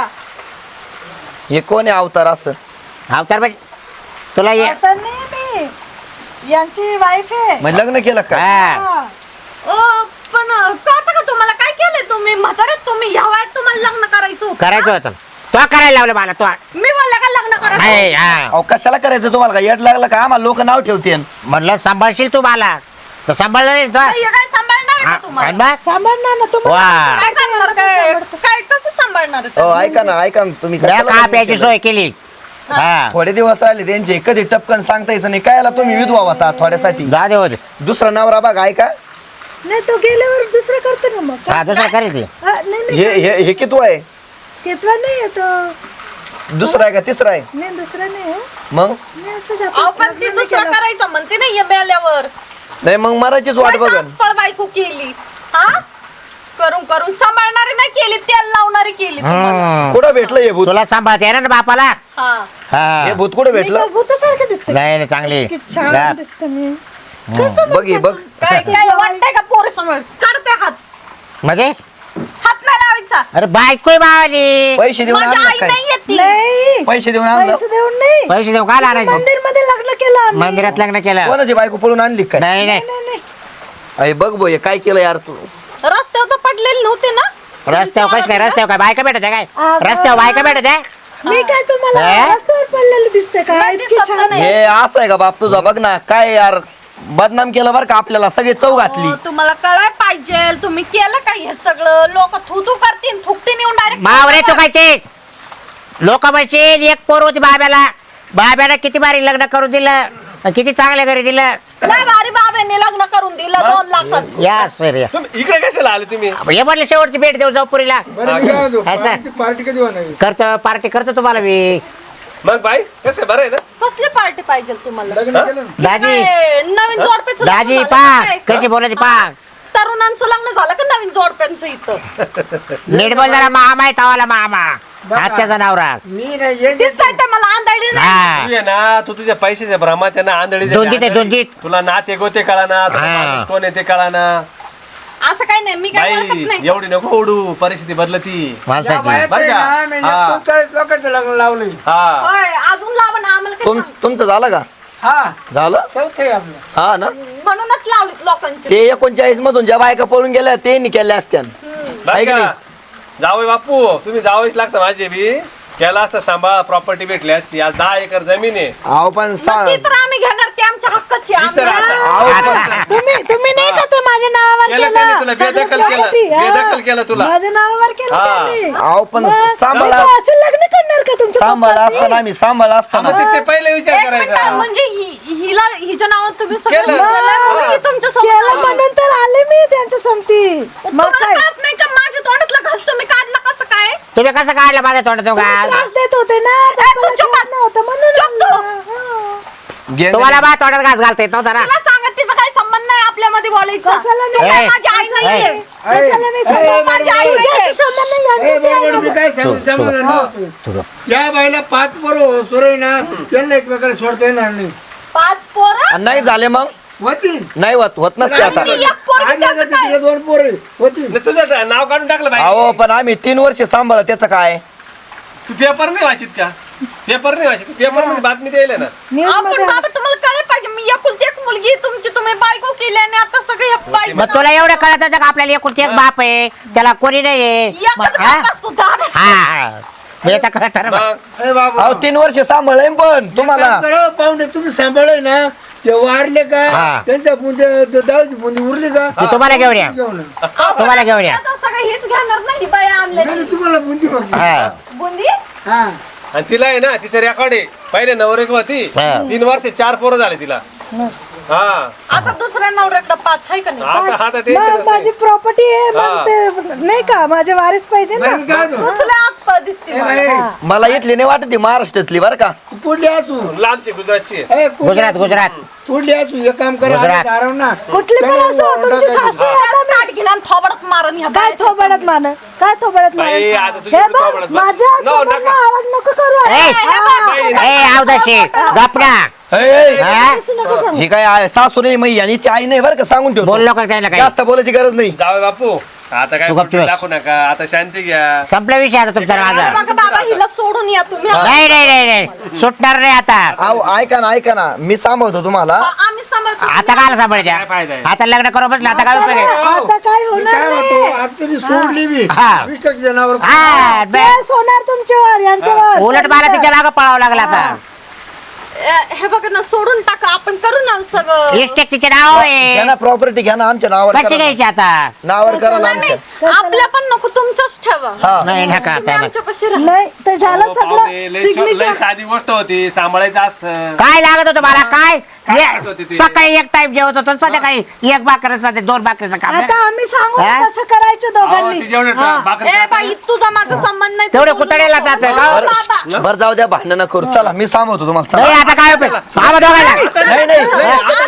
Speaker 2: हे कोण आहे अवतार असं
Speaker 1: अवतार बाई तुला ये
Speaker 7: आता नाही मी यांची वाईफ आहे
Speaker 2: म्हणजे लग्न केलं का
Speaker 1: हा
Speaker 7: हा.
Speaker 3: ओ पण कळतं का तुम्हाला काय केलंय तुम्ही म्हाताऱ्यात तुम्ही ह्या वयात तुम्हाला लग्न करायचं होतं
Speaker 1: करायचं होतं तो करायला लावलं मला तो
Speaker 3: मी बोलले का लग्न करायचं
Speaker 1: नाही, हा
Speaker 2: अहो कशाला करायचं तुम्हाला का येड लागलं का आम्हाला लोक नाव ठेवते
Speaker 1: म्हणलं सांभाळशील तू मला तर सांभाळलं नाही तो
Speaker 3: हे काय सांभाळणार आहे
Speaker 1: हा,
Speaker 3: का तुम्हाला
Speaker 1: आणि मग?
Speaker 7: सांभाळणार ना
Speaker 1: वा.
Speaker 7: तुम्हाला
Speaker 3: काय करणार काय कसं सांभाळणार आहे?
Speaker 2: हो ऐका ना तुम्ही
Speaker 1: तुला
Speaker 2: कशाला
Speaker 1: का
Speaker 2: लग्न
Speaker 1: प्यायची
Speaker 2: केलं?
Speaker 1: सोय केली हा
Speaker 2: थोडे दिवस राहिले त्यांचे कधी टपकन सांगता यायचं नाही कायला तुम्ही विधवा होता थोड्यासाठी
Speaker 1: जा दे होते
Speaker 2: दुसरा नवरा बघा ऐका
Speaker 7: नाही तो गेल्यावर दुसरं करते ना मग
Speaker 1: हा दुसरं करेल ती
Speaker 7: हा, नाही नाही
Speaker 2: हे किती आहे
Speaker 7: घेतला नाही आहे तो
Speaker 2: दुसरा आहे का तिसरा आहे
Speaker 7: नाही दुसरा नाही हो.
Speaker 2: मग
Speaker 7: मी असं जातो
Speaker 3: अहो पण ती दुसरं करायचं म्हणते नाही मेल्यावर
Speaker 2: नाही मग मराठीच वाट बघन
Speaker 3: फळ बायको केली हा करून करून सांभाळणारी नाही केली तेल लावणारी केली तुम्हाला.
Speaker 1: हम्म.
Speaker 2: कुठं भेटलं हे भूत
Speaker 1: तुला सांभाळते आहे ना बापाला
Speaker 3: हा
Speaker 1: हा
Speaker 2: हे भूत कुठं भेटलं
Speaker 7: भूतासारखं दिसतं
Speaker 1: नाही नाही, चांगली
Speaker 7: की
Speaker 1: जा.
Speaker 7: छान दिसतं मी कसं
Speaker 2: बघ हे बघ
Speaker 3: काय काय वाटतंय का पोर समोर काढते हात
Speaker 1: म्हणजे
Speaker 3: हात नाही लावायचा
Speaker 1: अरे बायको बावली
Speaker 2: पैसे देऊन
Speaker 3: माझी
Speaker 2: आणलं
Speaker 3: आई
Speaker 2: काय
Speaker 3: नाही येते
Speaker 7: नाही
Speaker 2: पैसे देऊन आणलं
Speaker 7: पैसे देऊन नाही
Speaker 1: पैसे देऊ का आणायचं
Speaker 7: मंदिर मध्ये लग्न केलं आम्ही.
Speaker 1: मंदिरात लग्न केलं
Speaker 2: कोणाची बायको पळून आणली काय
Speaker 1: नाही नाही
Speaker 7: नाही नाही
Speaker 2: अरे बघ बो हे काय केलं यार तू
Speaker 3: रस्त्यावर तर पडलेले नव्हते ना
Speaker 1: रस्त्यावर कश काय रस्त्यावर काय बायका भेटत आहे काय
Speaker 7: अगं.
Speaker 1: रस्त्यावर बायका भेटत आहे
Speaker 7: मी काय तुम्हाला
Speaker 1: हे?
Speaker 7: रस्त्यावर पडलेलं दिसतंय का
Speaker 3: नाही
Speaker 7: इतकी
Speaker 3: दिसत
Speaker 7: छान आहे
Speaker 2: हे असं आहे का बाप तुझा बघ ना काय यार बदनाम केलं बरं का आपल्याला सगळे चव घातली
Speaker 3: हो, तुम्हाला कळाय पाहिजे तुम्ही केलं काय हे सगळं लोक थुतू करतील थुकतील येऊन
Speaker 1: मावरे तू
Speaker 3: डायरेक्ट
Speaker 1: खायचे लोक म्हणशील एक पोर होती बाब्याला किती बारी लग्न करून दिलं किती चांगल्या घरी दिलं
Speaker 3: लय भारी बाबांनी लग्न करून दिलं 2 लाखात
Speaker 1: या सर या
Speaker 5: तुम्ही इकडे कशाला आले तुम्ही
Speaker 1: हे म्हटलं शेवटची भेट देऊ जाऊ पुरीला
Speaker 4: बरं मी काय म्हणतो
Speaker 1: असं.
Speaker 4: पार्टी कधी होणार
Speaker 1: करतो पार्टी करतो तुम्हाला मी
Speaker 5: मग बाई कसं बरं आहे ना
Speaker 3: कसली पार्टी पाहिजे तुम्हाला
Speaker 4: लग्न केलं ना
Speaker 1: दाजी
Speaker 3: काय, नवीन जोडप्याचं लग्न
Speaker 1: दाजी
Speaker 3: झालं का
Speaker 1: पाक
Speaker 3: काय?
Speaker 1: कशी बोलायची पाक
Speaker 3: तरुणांचं लग्न झालं का नवीन जोडप्यांचं इथं
Speaker 1: नीट बोल जरा मामा आहे तवाला मामा आत्याचा नवरा
Speaker 4: मी नाही ये
Speaker 3: दिसताय ते मला आंधळी नाही
Speaker 1: हा
Speaker 5: तू ये ना तू तुझ्या पैशाच्या भ्रमात त्यांना आंधळी झाली,
Speaker 1: दोन-तीन आहे,
Speaker 5: आंधळी.
Speaker 1: दोन-तीन.
Speaker 5: तुला नाते गोते कळा ना
Speaker 1: हा.
Speaker 5: कोण आहे ते कळा ना
Speaker 3: असं काही नाही मी काय
Speaker 5: बाई
Speaker 3: बोलत नाही
Speaker 5: एवढी नको ओढू परिस्थिती बदलती
Speaker 4: या
Speaker 1: माणसाची
Speaker 4: बायात
Speaker 5: बरं
Speaker 4: आहे
Speaker 5: का?
Speaker 4: ना, मी
Speaker 5: हा.
Speaker 4: 39 लोकांचं लग्न लावलंय
Speaker 5: हा
Speaker 3: होय, अजून लावा ना आम्हाला काय सांग-
Speaker 2: तुमचं झालं का
Speaker 4: हा
Speaker 2: झालं
Speaker 4: चौथं आहे आपलं
Speaker 2: हा ना
Speaker 3: म्हणूनच लावलीत लोकांचे
Speaker 2: ते 39 मधून ज्या बायका पळून गेल्या ते केल्या असत्या
Speaker 5: बरं
Speaker 2: आहे की
Speaker 5: का?
Speaker 2: नाही?
Speaker 5: जावई बापू तुम्ही जावईच लागतं माझे बी केला असता सांभाळ प्रॉपर्टी भेटली असती आज 10 एकर जमीन आहे
Speaker 2: अहो पण
Speaker 3: मग ती तर आम्ही घेणार ती आमच्या हक्काची आहे.
Speaker 5: विसर
Speaker 3: आम्ही-
Speaker 5: आता.
Speaker 7: तुम्ही नाही का ते माझ्या नावावर
Speaker 5: केलं त्यांनी तुला
Speaker 7: केलं
Speaker 5: बेदखल
Speaker 7: सगळं
Speaker 5: केलं
Speaker 7: property, हा.
Speaker 5: बेदखल केलं तुला
Speaker 7: माझ्या नावावर केलं
Speaker 5: हा.
Speaker 7: त्यांनी.
Speaker 2: अहो पण
Speaker 7: मग
Speaker 2: सांभाळा
Speaker 7: तुम्ही असं लग्न करणार का तुमच्या
Speaker 2: सांभाळा
Speaker 7: पप्पाशी?
Speaker 2: असताना आम्ही सांभाळा असताना
Speaker 5: मग ते पहिले विचार
Speaker 3: एक मिनिट,
Speaker 5: करायचा
Speaker 3: म्हणजे हिला हिच्या नावावर तुम्ही सगळं
Speaker 5: केलं.
Speaker 3: केलंय, मग
Speaker 5: हा.
Speaker 3: ही तुमच्या
Speaker 7: केलं
Speaker 3: सोबत
Speaker 7: म्हणून तर आले मी त्यांच्या समती मग
Speaker 3: तुम्हाला
Speaker 7: काय
Speaker 3: कळत नाही का माझ्या तोंडातला घास तुम्ही काढला कसं काय
Speaker 1: तुम्ही कसं काढलं माझ्या तोंडात
Speaker 7: तुम्ही त्रास देत होते ना
Speaker 3: तू
Speaker 7: पप्पाला
Speaker 3: चुप
Speaker 7: घेत
Speaker 3: बस.
Speaker 7: नव्हतं म्हणून
Speaker 3: चुप तू.
Speaker 7: आणलं. हा.
Speaker 2: घे-
Speaker 1: तुम्हाला माझ्या तोंडात घास घालता येत नव्हता ना
Speaker 3: तुला सांगत तिचा काही संबंध नाही आपल्यामध्ये बोलायचा
Speaker 7: कशाला
Speaker 3: तू
Speaker 7: नाही?
Speaker 3: काय
Speaker 1: ए,
Speaker 3: माझी आई
Speaker 1: ए,
Speaker 3: नाहीये
Speaker 7: कशाला नाही सांगू? माझी आई तुझ्याशी संबंध नाही,
Speaker 4: ए,
Speaker 7: यांच्याशी
Speaker 4: बरोबर
Speaker 7: आहे
Speaker 4: मी
Speaker 7: माझा.
Speaker 4: काय सांगू समाधान नव्हतं.
Speaker 1: तुझं
Speaker 4: त्या बाईला 5 पोरं सुरे ना त्यांना एकमेकाला सोडता येणार नाही
Speaker 3: 5 पोरं
Speaker 2: आणि नाही झाले मग
Speaker 4: होती
Speaker 2: नाही होत नसते आता
Speaker 3: आणि एक पोरगी
Speaker 4: आज
Speaker 3: त्याचं
Speaker 4: लागत
Speaker 3: काय?
Speaker 4: तिला 2 पोरं होती
Speaker 5: नाही, तुझं नाव काढून टाकलं
Speaker 2: अहो
Speaker 5: बाई
Speaker 2: पण आम्ही 3 वर्ष सांभाळ त्याचं काय
Speaker 5: तू पेपर नाही वाचित का पेपर नाही वाचित पेपर मध्ये बातमी द्यायला ना
Speaker 7: News
Speaker 3: आपण
Speaker 7: मध्ये
Speaker 3: बाबा तुम्हाला कळलं पाहिजे मी एकुलती एक मुलगी तुमची तुम्ही बायको केली आणि आता सगळे बाई
Speaker 1: मग तुला एवढं कळत होतं का आपल्याला एकुलती एक बाप आहे त्याला कोणी नाही आहे
Speaker 3: एकच
Speaker 1: हा?
Speaker 3: बाप असतो दादा.
Speaker 1: हा मी आता कळत ना
Speaker 5: मग
Speaker 4: ए बाबा
Speaker 2: अहो 3 वर्ष सांभाळ पण तुम्हाला
Speaker 4: काम करा, पाहुणे तुम्ही सांभाळले ना ते वारले का
Speaker 1: हा.
Speaker 4: त्यांच्या बुंदे दावची बुंदी उरली का
Speaker 1: ते तुम्हाला घेऊन या
Speaker 4: घेऊन या.
Speaker 1: तुम्हाला घेऊन या
Speaker 3: आता सगळं हेच घेणार नाही बाया
Speaker 4: नाही,
Speaker 3: आणले
Speaker 4: तुम्हाला बुंदी बघ
Speaker 1: हा
Speaker 3: बुंदी
Speaker 4: हा
Speaker 5: आणि तिला आहे ना तिचं रेकॉर्ड आहे पहिले नवरेक होती
Speaker 1: हा.
Speaker 5: 3 वर्ष 4 पोरं झाले तिला हा
Speaker 3: आता दुसऱ्या नवऱ्याकडे 5 आहे का नाही
Speaker 5: आता आता
Speaker 7: मग
Speaker 5: टेन्शन
Speaker 7: माझी प्रॉपर्टी आहे
Speaker 5: हा.
Speaker 7: मग ते नाही का माझे वारीस पाहिजे ना
Speaker 4: नाही, काय होतं?
Speaker 3: तुझले आज पळ दिसते
Speaker 4: ए,
Speaker 3: मला.
Speaker 4: बाई,
Speaker 2: मला इथली नाही वाटत ती महाराष्ट्रातली बरं का
Speaker 4: पुढली असू
Speaker 5: लांबची गुजरातची आहे.
Speaker 4: ए, पुढली
Speaker 1: गुजरात
Speaker 4: असू.
Speaker 1: गुजरात
Speaker 4: पुढली असू एक काम करा
Speaker 1: गुजरात.
Speaker 4: आधी दाराव ना
Speaker 7: कुठली पण
Speaker 4: त्यांना
Speaker 7: असो तुमची
Speaker 4: टाकायची.
Speaker 7: सासू आहे आता मी
Speaker 3: ताट घेऊन आणि थोबाडात मारून ह्या
Speaker 7: काय
Speaker 3: बाया.
Speaker 7: थोबडत मान काय थोबडत मान
Speaker 5: बाई, आता तुझी
Speaker 7: हे
Speaker 5: बी
Speaker 7: बघ,
Speaker 5: थोबाडात मान.
Speaker 7: माझ्या
Speaker 5: नो,
Speaker 7: समोरनं
Speaker 5: नका.
Speaker 7: आवाज नको करू
Speaker 1: ए,
Speaker 7: हा.
Speaker 5: बाई,
Speaker 1: ए आवदाशी गपना
Speaker 2: ए,
Speaker 7: असं नको सांगू.
Speaker 2: ही काय आहे, सासू नाही मग यांची आई नाही बरं का सांगून ठेवतो
Speaker 1: बोललो का त्याला काही
Speaker 2: जास्त बोलायची गरज नाही
Speaker 5: जाऊ बापू आता काय
Speaker 1: तू गपचूप
Speaker 5: कुठं
Speaker 1: बस.
Speaker 5: दाखवू नका आता शांती घ्या
Speaker 1: संपला विषय आता तुमचा माझा
Speaker 3: बघा बाबा हिला सोडून या तुम्ही
Speaker 1: नाही नाही नाही नाही सुटणार नाही आता
Speaker 2: अहो ऐका ना मी सांभाळतो तुम्हाला
Speaker 3: आम्ही सांभाळतो
Speaker 1: आता काय
Speaker 5: काय
Speaker 1: सांभाळायच्या
Speaker 5: फायदा आहे?
Speaker 1: आता लग्न करू बसलं आता काय उपयोग आहे?
Speaker 7: आता काय
Speaker 4: मी
Speaker 7: होणार
Speaker 4: काय
Speaker 7: नाही
Speaker 4: म्हणतो आता तुम्ही सोडली मी
Speaker 1: हा.
Speaker 4: 20% जनावर
Speaker 1: हा बे-
Speaker 7: केस होणार तुमच्यावर यांच्यावर
Speaker 1: उलट मला तिच्या मागं पळावं लागलं आता
Speaker 3: हे बघा ना सोडून टाका आपण करू ना सगळं
Speaker 1: इस्टेक तिचे नाव
Speaker 2: घ्या
Speaker 1: आहे
Speaker 2: ना प्रॉपर्टी घ्या ना आमच्या नावावर
Speaker 1: कशी
Speaker 2: करा ना.
Speaker 1: घ्यायची आता
Speaker 2: नावावर करा ना
Speaker 3: नाही,
Speaker 2: आमच्या
Speaker 3: आपल्या पण नको तुमचंच ठेवा
Speaker 2: हा
Speaker 1: नाही नका
Speaker 3: तुम्ही
Speaker 1: आता
Speaker 3: आमच्या कशी राहा
Speaker 7: नाही ते झालं
Speaker 5: अहो, पाहुणे,
Speaker 7: सगळं
Speaker 5: लय
Speaker 7: सिग्नेचर
Speaker 5: साधी गोष्ट होती सांभाळायचं असतं
Speaker 1: काय लागत होतं मला काय
Speaker 5: काय लागत होती ते?
Speaker 1: सकाळी एक टाइम जेवत होतो संध्याकाळी एक भाकरीचं 2 भाकरीचं काम
Speaker 7: आता आम्ही सांगू
Speaker 1: हा?
Speaker 7: तसं करायचं
Speaker 5: अहो,
Speaker 7: दोघांनी
Speaker 5: ती जेवढं
Speaker 7: हा.
Speaker 5: भाकरी
Speaker 3: ए बाई तुझा माझा संबंध नाही
Speaker 1: तेवढे
Speaker 3: तू बोलू
Speaker 1: कुतड्याला
Speaker 3: नको.
Speaker 1: जातं
Speaker 3: हो,
Speaker 1: का?
Speaker 3: बाबा.
Speaker 2: बरं जाऊ द्या भांडण करू चला मी सांभाळतो तुम्हाला
Speaker 1: नाही
Speaker 2: चला.
Speaker 1: आता काय उपयोग आम्हा दोघांना
Speaker 2: नाही नाही
Speaker 7: मी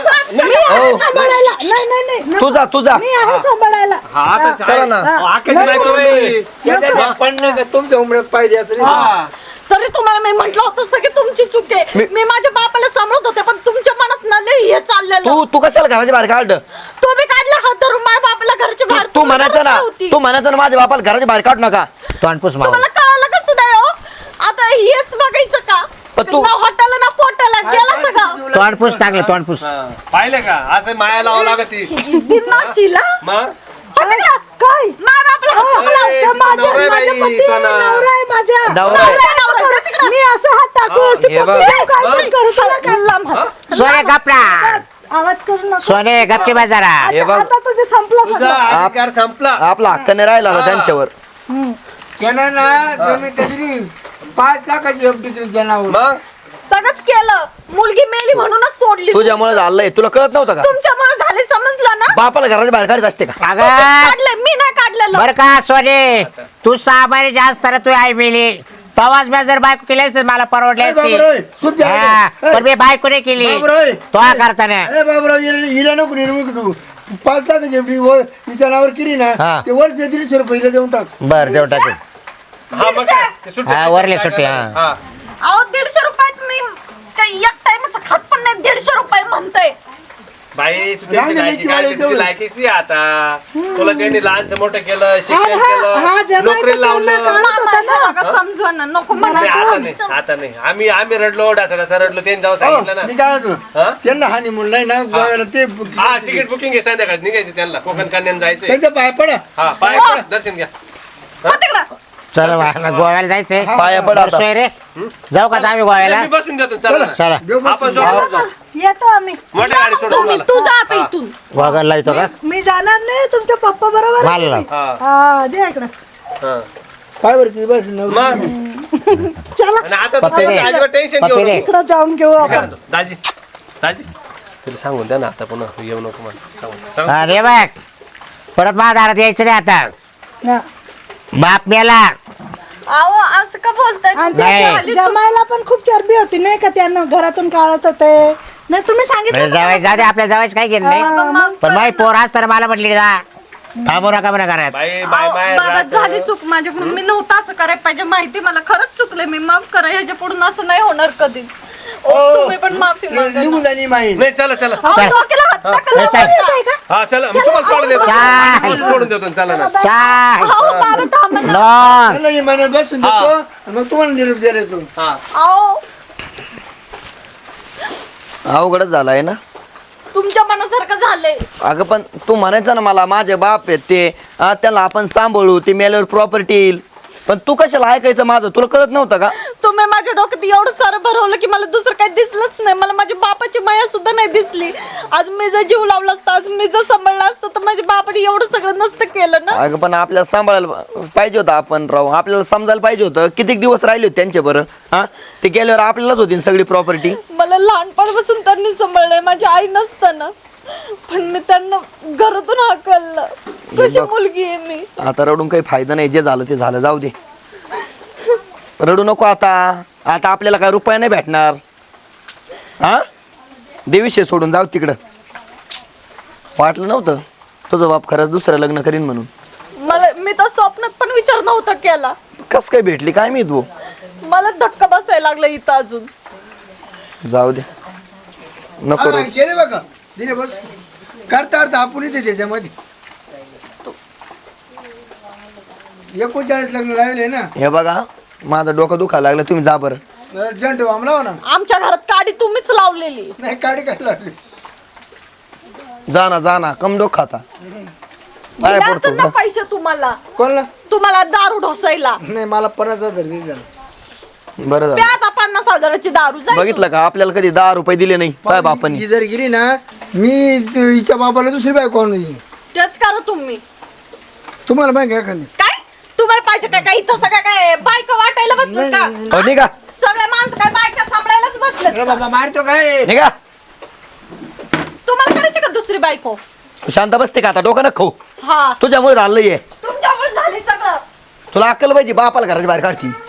Speaker 7: आहे सांभाळायला नाही
Speaker 2: तुझा
Speaker 7: मी आहे सांभाळायला
Speaker 5: हा आता
Speaker 2: चला ना.
Speaker 5: आकाशी बायको आहे.
Speaker 4: त्याच्या पण नाही का तुमच्या उमऱ्यात पाहिजे असं नाही.
Speaker 5: हा.
Speaker 3: तरी तुम्हाला मी म्हंटल होतं सगळी तुमची चूक आहे मी माझ्या बापाला सांभाळत होते पण तुमच्या मनात न लय हे चाललेलं
Speaker 2: तू कशाला घराच्या बाहेर काढ
Speaker 3: तुम्ही काढला हात धरून माझ्या बापाला घरच्या बाहेर
Speaker 2: तू म्हणायचं ना
Speaker 3: होती.
Speaker 2: तू म्हणायचं ना माझ्या बापाला घराच्या बाहेर काढू नका
Speaker 1: तोंडपूस माव
Speaker 3: तुम्हाला कळालं कसं नाही हो आता हेच बघायचं का
Speaker 2: पण तू-
Speaker 3: ना हॉटेलला ना पोटाला गेला सगळं
Speaker 1: तोंडपूस टाकलं तोंडपूस
Speaker 5: हा. पाहिलं का असं माया लावावं लागत ती
Speaker 3: दिनाशीला
Speaker 5: मग
Speaker 7: काय
Speaker 3: माझ्या बापाला हात
Speaker 5: ए,
Speaker 3: लावते.
Speaker 5: तिचं
Speaker 3: माझ्या
Speaker 5: नवरा आहे
Speaker 7: माझ्या
Speaker 5: बाई,
Speaker 7: पती
Speaker 5: सोना.
Speaker 7: नवरा आहे माझ्या
Speaker 2: नवरा आहे.
Speaker 3: नवरा आहे तिकडं.
Speaker 7: मी असं हात टाकू
Speaker 5: हा,
Speaker 7: अशी
Speaker 2: हे बघ.
Speaker 7: पप्पी काय पण करू तुला काय?
Speaker 3: लांब हात.
Speaker 1: सोने गपना
Speaker 7: आवाज करू नको
Speaker 1: सोने गप्पी बाजारा
Speaker 2: हे
Speaker 7: आता
Speaker 2: बघ.
Speaker 7: आता तुझे संपलं
Speaker 5: तुझा
Speaker 7: सगळं
Speaker 5: अधिकार संपला
Speaker 2: आपला हक्क नाही राहिला होता त्यांच्यावर
Speaker 4: त्यानं ना जमीन दिली 5 लाखाची एफडी जनावर
Speaker 5: मग
Speaker 3: सगळंच केलं मुलगी मेली म्हणूनच सोडली
Speaker 2: तुझ्यामुळे झालंय तुला कळत नव्हतं का
Speaker 3: तुमच्यामुळे झाले समजलं ना
Speaker 2: बापाला घराच्या बाहेर काढत असते का
Speaker 1: अगं
Speaker 3: काढले मी नाही काढलेलं
Speaker 1: बर का सोने तू 6 महिने जास्त तर तू आई मिली तवाच मी जर बायको केली असती मला परवडली
Speaker 4: ए,
Speaker 1: असती
Speaker 4: बाबरोय, सूप द्या.
Speaker 1: हा,
Speaker 4: ए,
Speaker 1: पण मी बायको नाही केली
Speaker 4: बाबरोय.
Speaker 1: तो करताना
Speaker 4: ए बाबराव हिला नको निर्मुख तू 5 लाखाची एफडी तिच्या नावावर केली ना
Speaker 1: हा.
Speaker 4: ते वर 150 रुपये हिला देऊन टाक
Speaker 1: बर देऊ टाकेल
Speaker 5: हा मग काय? ते सुट्टी-
Speaker 1: हा, वरली
Speaker 5: काय
Speaker 1: सुट्टी,
Speaker 5: करणार?
Speaker 1: हा.
Speaker 5: हा.
Speaker 3: अहो 150 रुपयात मी काही एक टाइमच खात पण नाही 150 रुपये म्हणतोय
Speaker 5: बाई तू
Speaker 4: राहू
Speaker 5: त्यांची
Speaker 4: दे,
Speaker 5: लायकी
Speaker 4: लेकी
Speaker 5: काढली,
Speaker 4: वाले
Speaker 5: तुझी
Speaker 4: तेवढं.
Speaker 5: लायकीची आहे आता तुला त्यांनी लहानचं मोठं केलं शिक्षण
Speaker 7: हा, हा,
Speaker 5: केलं
Speaker 7: जमायचं
Speaker 5: नोकरी
Speaker 7: त्यांना
Speaker 5: लावलं
Speaker 7: काढत होता ना.
Speaker 3: मामाला समजवा ना नको मला
Speaker 5: नाही, आता नाही आम्ही रडलो डासा रडलो त्यांनी जाऊ सांगितलं
Speaker 4: हो, मी
Speaker 5: ना
Speaker 4: काय
Speaker 5: हा?
Speaker 4: म्हणतो त्यांना हानी म्हणून नाही ना गोव्याला ते
Speaker 5: हा तिकीट बुकिंग आहे संध्याकाळी निघायचं त्यांना कोकण कन्यान जायचंय
Speaker 4: त्यांच्या पाय पडा
Speaker 5: हा पाय पडा, दर्शन घ्या
Speaker 3: हो तिकडं
Speaker 1: चला मला गोव्याला जायचंय
Speaker 2: पाया पड आता.
Speaker 1: सोय रे जाऊ का आम्ही गोव्याला
Speaker 5: मी बसून देतो चला ना.
Speaker 1: चला
Speaker 4: घेऊ बस.
Speaker 5: आपण सोबत जाऊ.
Speaker 7: येतो आम्ही
Speaker 5: मोठ्या गाडी सोडून
Speaker 3: तुम्ही
Speaker 5: मला.
Speaker 3: तू जा आता इथून
Speaker 1: वागायला येतो का
Speaker 7: मी जाणार नाही तुमच्या पप्पा बरोबर आहे
Speaker 1: मला
Speaker 7: तुम्ही. हा द्या इकडं
Speaker 5: हा.
Speaker 4: पाय बरं किती बस नव्हतं.
Speaker 5: मग
Speaker 7: चला
Speaker 5: आणि आता
Speaker 1: पप्पी दे.
Speaker 5: अजिबात टेन्शन घेऊ
Speaker 1: पप्पी दे.
Speaker 5: नको.
Speaker 7: इकडं जाऊन घेऊ
Speaker 5: काय
Speaker 7: आपण
Speaker 5: म्हणतो? दाजी दाजी तिला सांगून द्या ना आता पुन्हा येऊ नको मला सांगून
Speaker 1: अरे बघ परत माझ्या दारात यायचं नाही आता
Speaker 7: हा.
Speaker 1: बाप मेला
Speaker 3: अहो असं का बोलताय
Speaker 7: आणि
Speaker 1: नाही.
Speaker 7: ते जमायला पण खूप चरबी होती नाही का त्यांना घरातून काढत होते नाही तुम्ही सांगितलं होतं
Speaker 1: जावायचं जाऊ दे आपल्या जावायचं काय घेणं नाही पण माही पोर आज तर मला म्हटली जा थांबू नका म्हणा घरात
Speaker 5: बाय बाय
Speaker 3: अहो,
Speaker 5: बाय
Speaker 3: बाबा
Speaker 5: राहत.
Speaker 3: झाली चूक माझ्याकडून मी नव्हतं असं करायला पाहिजे माहिती मला खरंच चुकले मी माफ करा ह्याच्या पुढून असं नाही होणार कधीच ओ, तुम्ही पण माफी मागा
Speaker 4: निघून जाणी माई
Speaker 5: नाही चला चला
Speaker 3: अहो, डोक्याला हात टाकला
Speaker 1: चल.
Speaker 3: येतोय का?
Speaker 5: हा चला मी तुम्हाला सोडून देतो
Speaker 1: चाल.
Speaker 5: तुम्हाला सोडून देतो चला ना
Speaker 1: चाय
Speaker 3: अहो, बाबा थांबा ना.
Speaker 1: लॉंग
Speaker 4: त्याला इमानात बसून देतो आणि मग तुम्हाला निरोप द्यायला येतो.
Speaker 5: हा
Speaker 3: अहो
Speaker 2: अवघडच झालाय ना.
Speaker 3: तुमच्या मनासारखं झालंय
Speaker 2: अगं पण तू म्हणायचं ना मला माझे बाप आहेत ते त्याला आपण सांभाळू ते मेल्यावर प्रॉपर्टी येईल. पण तू कशाला ऐकायचं माझं तुला कळत नव्हतं का?
Speaker 3: तुम्ही माझ्या डोक्यात एवढं सारं भरवलं की मला दुसरं काही दिसलंच नाही मला माझ्या बापाची माया सुद्धा नाही दिसली आज मी जर जीव लावला असता आज मी जर सांभाळलं असतं तर माझ्या बापाने एवढं सगळं नसतं केलं ना
Speaker 2: अगं पण आपल्याला सांभाळायला पाहिजे होतं आपण राहू आपल्याला समजायला पाहिजे होतं किती दिवस राहिले होते त्यांच्या बरं हा ते गेल्यावर आपल्यालाच होती ना सगळी प्रॉपर्टी.
Speaker 3: मला लहानपणापासून त्यांनी सांभाळलंय माझी आई नसताना पण मी त्यांना घरातून हाकललं कशी मुलगी आहे मी
Speaker 2: आता रडून काही फायदा नाही जे झालं ते झालं जाऊ दे रडू नको आता आता आपल्याला काय रुपया नाही भेटणार हा देवीशे सोडून जाऊ तिकडं. वाटलं नव्हतं तुझं बाप खरंच दुसरं लग्न करीन म्हणून.
Speaker 3: मला मी तर स्वप्नात पण विचार नव्हता केला
Speaker 2: कस काय भेटली काय मी तू
Speaker 3: मला धक्का बसायला लागला इथं अजून
Speaker 2: जाऊ दे नको
Speaker 4: हा,
Speaker 2: रडू.
Speaker 4: केले बघा दिले बस करता अर्थ आपण येते त्याच्यामध्ये 39 लग्न लावले ना
Speaker 2: हे बघा माझं डोकं दुखायला लागलं तुम्ही जा बरं.
Speaker 4: अर्जंट आमला ना
Speaker 3: आमच्या घरात काडी तुम्हीच लावलेली
Speaker 4: नाही काढी काय लावली
Speaker 2: जा ना कम डोक खाता पाया
Speaker 3: दिले
Speaker 2: पडतो
Speaker 3: असेल ना पैसे तुम्हाला
Speaker 4: कोणला
Speaker 3: तुम्हाला दारू ढोसायला
Speaker 4: नाही मला 50,000 दे जरा.
Speaker 2: बरं झालं.
Speaker 3: प्या आता 50,000ची दारू जाईल
Speaker 2: बघितलं का आपल्याला कधी 10 रुपये दिले नाही काय बापांनी.
Speaker 4: ही जर गेली ना मी हिच्या बाबाला दुसरी बायको आणून देईन.
Speaker 3: तेच करा तुम्ही
Speaker 4: तुम्हाला बायक आहे एखादी
Speaker 3: काय तुम्हाला पाहिजे काय काय इथं सगळं काय बायका वाटायला बसलं का
Speaker 2: हो, निघा
Speaker 3: सगळे माणसं काय बायका सांभाळायलाच बसले
Speaker 4: अरे बाबा मारतो काय
Speaker 2: निघा
Speaker 3: तुम्हाला करायची का दुसरी बायको
Speaker 2: तू शांत बसते का आता डोकं न खाऊ
Speaker 3: हा
Speaker 2: तुझ्यामुळे झालंय
Speaker 3: तुमच्यामुळे झाली सगळं
Speaker 2: तुला अक्कल पाहिजे बापाला घराच्या बाहेर काढती